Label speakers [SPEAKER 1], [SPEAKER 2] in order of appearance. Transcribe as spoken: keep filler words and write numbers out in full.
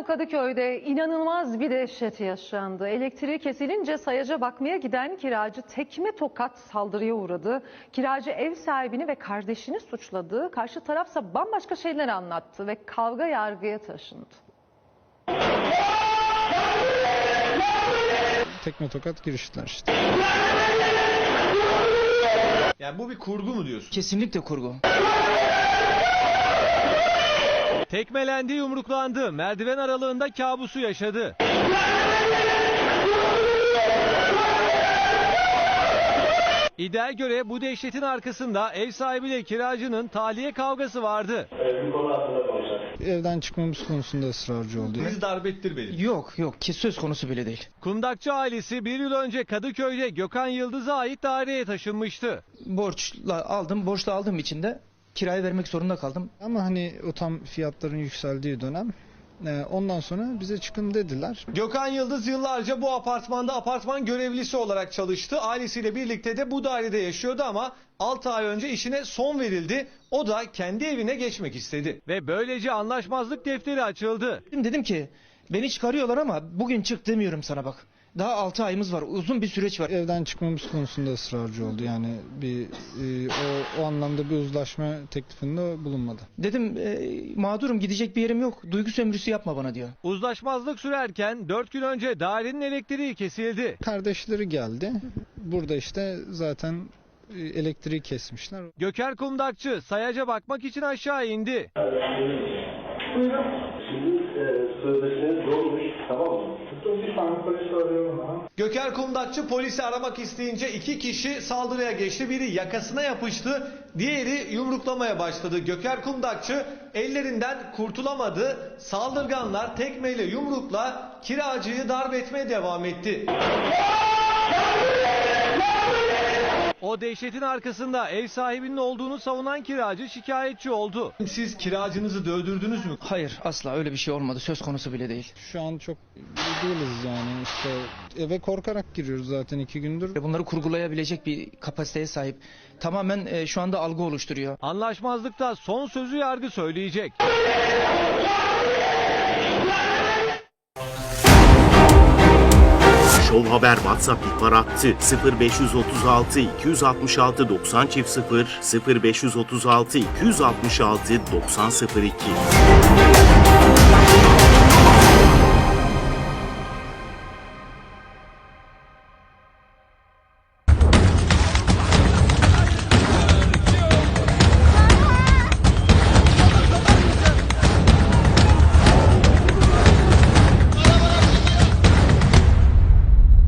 [SPEAKER 1] Kadıköy'de inanılmaz bir dehşet yaşandı. Elektriği kesilince sayaca bakmaya giden kiracı tekme tokat saldırıya uğradı. Kiracı ev sahibini ve kardeşini suçladı. Karşı tarafsa bambaşka şeyler anlattı ve kavga yargıya taşındı.
[SPEAKER 2] Tekme tokat giriştiler işte.
[SPEAKER 3] Yani bu bir kurgu mu diyorsun?
[SPEAKER 4] Kesinlikle kurgu.
[SPEAKER 5] Tekmelendi, yumruklandı. Merdiven aralığında kabusu yaşadı. İddiaya göre bu dehşetin arkasında ev sahibiyle kiracının tahliye kavgası vardı.
[SPEAKER 2] Evden çıkmamız konusunda ısrarcı oldu.
[SPEAKER 3] Bizi darp ettirmedi.
[SPEAKER 4] Yok yok ki söz konusu bile değil.
[SPEAKER 5] Kundakçı ailesi bir yıl önce Kadıköy'de Gökhan Yıldız'a ait daireye taşınmıştı.
[SPEAKER 4] Borçla aldım, borçla aldığım için de kirayı vermek zorunda kaldım.
[SPEAKER 2] Ama hani o tam fiyatların yükseldiği dönem. e, Ondan sonra bize çıkın dediler.
[SPEAKER 3] Gökhan Yıldız yıllarca bu apartmanda apartman görevlisi olarak çalıştı. Ailesiyle birlikte de bu dairede yaşıyordu ama altı ay önce işine son verildi. O da kendi evine geçmek istedi.
[SPEAKER 5] Ve böylece anlaşmazlık defteri açıldı.
[SPEAKER 4] Dedim, dedim ki beni çıkarıyorlar ama bugün çık demiyorum sana bak. Daha altı ayımız var, uzun bir süreç var.
[SPEAKER 2] Evden çıkmamız konusunda ısrarcı oldu. Yani bir e, o, o anlamda bir uzlaşma teklifinde bulunmadı.
[SPEAKER 4] Dedim e, mağdurum, gidecek bir yerim yok. Duygu sömürüsü yapma bana diyor.
[SPEAKER 5] Uzlaşmazlık sürerken dört gün önce dairenin elektriği kesildi.
[SPEAKER 2] Kardeşleri geldi. Burada işte zaten e, elektriği kesmişler.
[SPEAKER 5] Göker Kundakçı sayaca bakmak için aşağı indi.
[SPEAKER 6] Şimdi e, sözleşmeniz dolmuş, tamam mı? Bir tane polis arıyorum ha.
[SPEAKER 3] Göker Kundakçı polisi aramak isteyince iki kişi saldırıya geçti. Biri yakasına yapıştı, diğeri yumruklamaya başladı. Göker Kundakçı ellerinden kurtulamadı. Saldırganlar tekmeyle yumrukla kiracıyı darp etmeye devam etti.
[SPEAKER 5] O dehşetin arkasında ev sahibinin olduğunu savunan kiracı şikayetçi oldu.
[SPEAKER 3] Siz kiracınızı dövdürdünüz mü?
[SPEAKER 4] Hayır, asla öyle bir şey olmadı, söz konusu bile değil.
[SPEAKER 2] Şu an çok iyi değiliz yani. İşte eve korkarak giriyoruz zaten iki gündür.
[SPEAKER 4] Bunları kurgulayabilecek bir kapasiteye sahip. Tamamen e, şu anda algı oluşturuyor.
[SPEAKER 5] Anlaşmazlıkta son sözü yargı söyleyecek.
[SPEAKER 7] Show Haber WhatsApp ihbar hattı sıfır beş otuz altı iki altı altı doksan sıfır sıfır beş otuz altı iki altı altı doksan sıfır iki.